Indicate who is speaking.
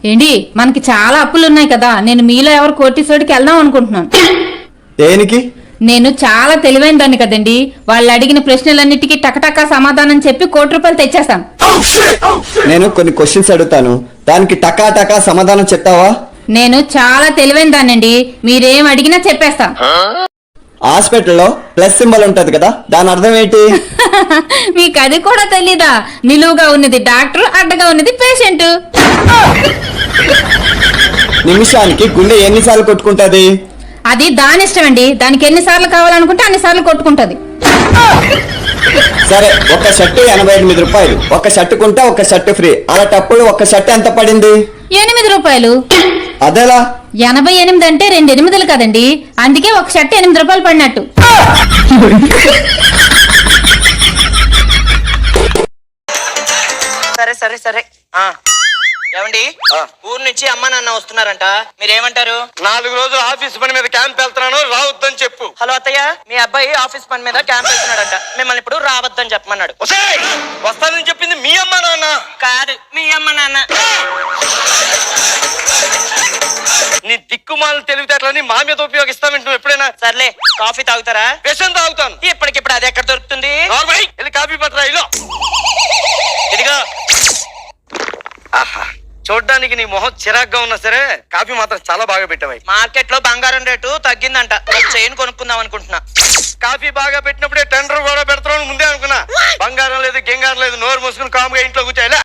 Speaker 1: ఏంటి మనకి చాలా అప్పులు ఉన్నాయి కదా, నేను మీలో ఎవరు కోటీశ్వరుడికి వెళ్దాం అనుకుంటున్నాను.
Speaker 2: దేనికి?
Speaker 1: నేను చాలా తెలివైన దాన్ని కదండి, వాళ్ళు అడిగిన ప్రశ్నలన్నిటికీ టకటకా సమాధానం చెప్పి ₹1,00,00,000 తెచ్చేస్తాం.
Speaker 2: నేను కొన్ని క్వశ్చన్స్ అడుగుతాను, దానికి టకా టకా సమాధానం చెప్తావా?
Speaker 1: నేను చాలా తెలివైన దాన్నండి, మీరేం అడిగినా చెప్పేస్తా.
Speaker 2: హాస్పిటల్లో ప్లస్ సింబల్ ఉంటది కదా, దాని అర్థం ఏంటి?
Speaker 1: మీకు అది కూడా తెలీదా? నిలువుగా ఉన్నది డాక్టర్, అడ్డగా ఉన్నది పేషెంట్.
Speaker 2: నిమిషానికి గుండె ఎన్నిసార్లు కొట్టుకుంటది?
Speaker 1: అది దాని ఇష్టం అండి, దానికి ఎన్నిసార్లు కావాలనుకుంటే అన్నిసార్లు కొట్టుకుంటది.
Speaker 2: సరే, ఒక షర్టు ₹88, ఒక షర్టు కొంటే ఒక షర్టు ఫ్రీ, అలాంటప్పుడు ఒక షర్ట్ ఎంత పడింది?
Speaker 1: ₹8.
Speaker 2: అదేలా?
Speaker 1: 88 అంటే 2 8లు కదండి, అందుకే ఒక షర్ట్ ₹8 పడినట్టు.
Speaker 3: సరే సరే సరే ఏమండి, ఊరు నుంచి అమ్మ నాన్న వస్తున్నారంట, మీరేమంటారు?
Speaker 4: 4 రోజులు ఆఫీస్ పని మీద క్యాంప్ వెళ్తున్నాను, రావద్దని చెప్పు.
Speaker 3: హలో అత్తయ్య, మీ అబ్బాయి ఆఫీస్ పని మీద క్యాంప్ వెళ్తున్నాడంట, మిమ్మల్ని ఇప్పుడు రావద్దని చెప్పమన్నాడు.
Speaker 4: వస్తానని చెప్పింది మీ అమ్మ నాన్న
Speaker 3: కాదు, మీ అమ్మ నాన్న.
Speaker 4: నీ దిక్కుమాలను తెలివితేటలని మా మీద ఉపయోగిస్తావంటే నువ్వు ఎప్పుడైనా?
Speaker 3: సర్లే, కాఫీ తాగుతారా?
Speaker 4: విషం తాగుతాను.
Speaker 3: ఇప్పటికిప్పుడు అది ఎక్కడ దొరుకుతుంది?
Speaker 4: వెళ్ళి కాఫీ పట్టరా. ఇలో ఇదిగా. ఆహా, చూడ్డానికి నీ మొహం చిరాగ్గా ఉన్నా సరే కాఫీ మాత్రం చాలా బాగా పెట్టావు.
Speaker 3: మార్కెట్ లో బంగారం రేటు తగ్గిందంట, ఒక చైన్ కొనుక్కుందాం అనుకుంటున్నా.
Speaker 4: కాఫీ బాగా పెట్టినప్పుడే టెండర్ కూడా పెడతాను ముందే అనుకున్నా. బంగారం లేదు గింగారం లేదు, నోరు మూసుకుని కాముగా ఇంట్లో కూర్చోలే.